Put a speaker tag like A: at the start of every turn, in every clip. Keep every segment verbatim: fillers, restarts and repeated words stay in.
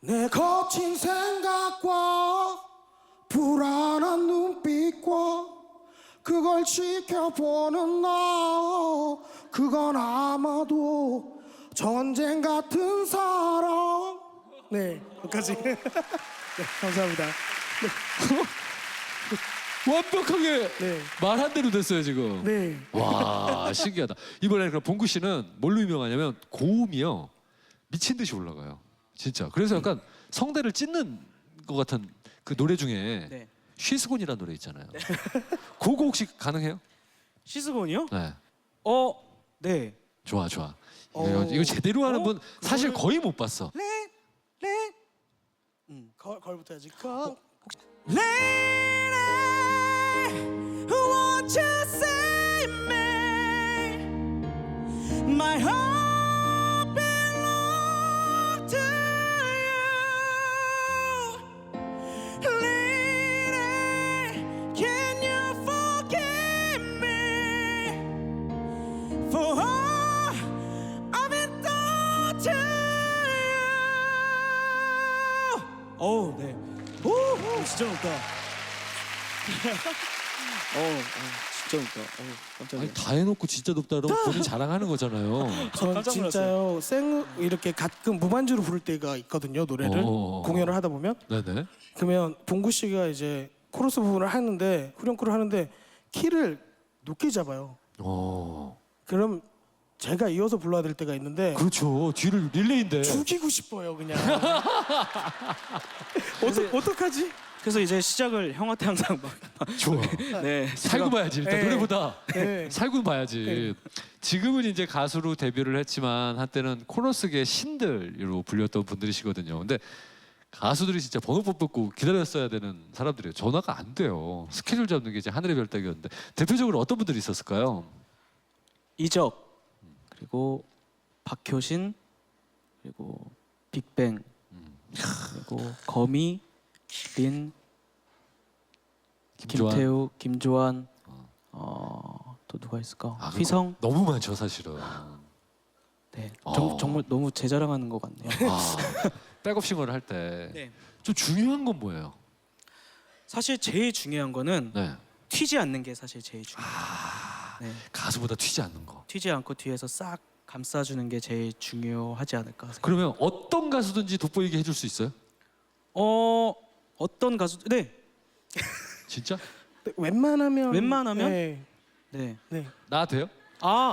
A: 내 거친 생각과 불안한 눈빛과 그걸 지켜보는 나, 그건 아마도 전쟁 같은 사랑. 네, 여기까지. 네, 감사합니다.
B: 완벽하게
A: 네.
B: 말한 대로 됐어요 지금.
A: 네.
B: 와 신기하다. 이번에 그럼 봉구 씨는 뭘로 유명하냐면 고음이요 미친 듯이 올라가요. 진짜. 그래서 약간 성대를 찢는 것 같은 그 노래 중에
C: 네.
B: 쉬스곤이라는 노래 있잖아요. 그거 혹시 가능해요?
C: 시스본이요?
B: 네.
C: 어, 네.
B: 좋아 좋아.
A: 어.
B: 이거, 이거 제대로 하는
C: 어?
B: 분 사실
A: 그거를-
B: 거의 못 봤어.
A: 레, 레. 음, 걸, 걸부터 해야지. 걸.
C: Lady, won't you save me? My heart belongs to you. Lady, can you forgive me for all I've been done to you? 오, 네.
A: 오, 오, 진짜 높다.
C: 어, 어, 진짜 웃다. 어, 깜짝이야.
B: 아니 다 해놓고 진짜 높다 그러면 본인 자랑하는 거잖아요.
A: 전
C: 깜짝
A: 진짜요 생 이렇게 가끔 무반주로 부를 때가 있거든요 노래를
B: 어.
A: 공연을 하다 보면
B: 네네.
A: 그러면 봉구 씨가 이제 코러스 부분을 하는데 후렴구를 하는데 키를 높게 잡아요.
B: 어.
A: 그럼 제가 이어서 불러야 될 때가 있는데
B: 그렇죠. 뒤를 릴레이인데.
A: 죽이고 싶어요 그냥. 어떡 어떡하지?
C: 그래서 이제 시작을 형한테 항상 막
B: 좋아.
C: 네.
B: 살고 봐야지 일단
A: 네.
B: 노래보다
A: 네.
B: 살고 봐야지. 지금은 이제 가수로 데뷔를 했지만 한때는 코러스계 신들로 불렸던 분들이시거든요. 근데 가수들이 진짜 번호 뽑고 기다렸어야 되는 사람들이에요. 전화가 안 돼요. 스케줄 잡는 게 이제 하늘의 별따기였는데 대표적으로 어떤 분들이 있었을까요?
C: 이적 그리고 박효신 그리고 빅뱅 그리고 거미 린
B: 김조한.
C: 김태우 김조한 어, 또 누가 있을까?
B: 아, 그거
C: 휘성
B: 너무 많죠 사실은.
C: 네.
B: 어.
C: 정, 정말 너무 제 자랑하는 것 같네요.
B: 아, 백업싱어를 할 때 좀
C: 네.
B: 중요한 건 뭐예요?
C: 사실 제일 중요한 거는
B: 네.
C: 튀지 않는 게 사실 제일 중요해요.
B: 아,
C: 네.
B: 가수보다 튀지 않는 거.
C: 튀지 않고 뒤에서 싹 감싸주는 게 제일 중요하지 않을까 생각.
B: 그러면 어떤 가수든지 돋보이게 해줄 수 있어요?
C: 어 어떤 가수? 네,
B: 진짜?
A: 네, 웬만하면
C: 웬만하면?
A: 네,
C: 네.
A: 네.
B: 나 돼요?
C: 아,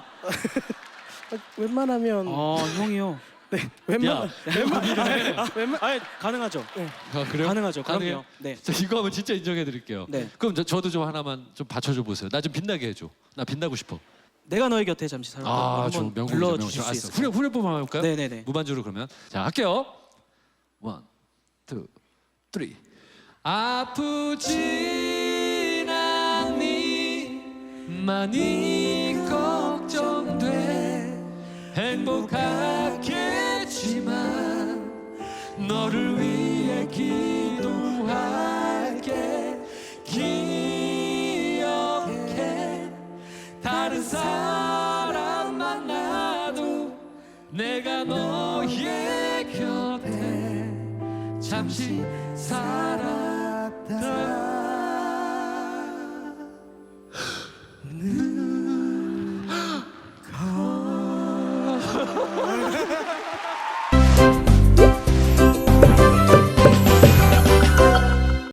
A: 웬만하면
C: 아 형이요.
A: 웬만
B: 웬만해.
C: 아, 가능하죠.
B: 아, 그래요?
C: 가능하죠.
B: 가능해요?
C: 그럼요. 네.
B: 자, 이거 하면 진짜 인정해 드릴게요.
C: 네.
B: 그럼 저, 저도 좀 하나만 좀 받쳐줘 보세요. 나 좀 빛나게 해줘. 나 빛나고 싶어.
C: 내가 너의 곁에 잠시 살까
B: 아, 저
C: 한번
B: 명곡이죠,
C: 불러주실
B: 명곡.
C: 수
B: 알았어.
C: 있어요?
B: 후렴 후렴법 한번 해볼까요?
C: 네네네.
B: 무반주로 그러면 자 할게요. 원, 투, 쓰리. 아프진 않니 많이 걱정돼 행복하겠지만 너를 위해 기도할게 기억해 다른 사람 만나도 내가 너의 곁에 잠시 살았다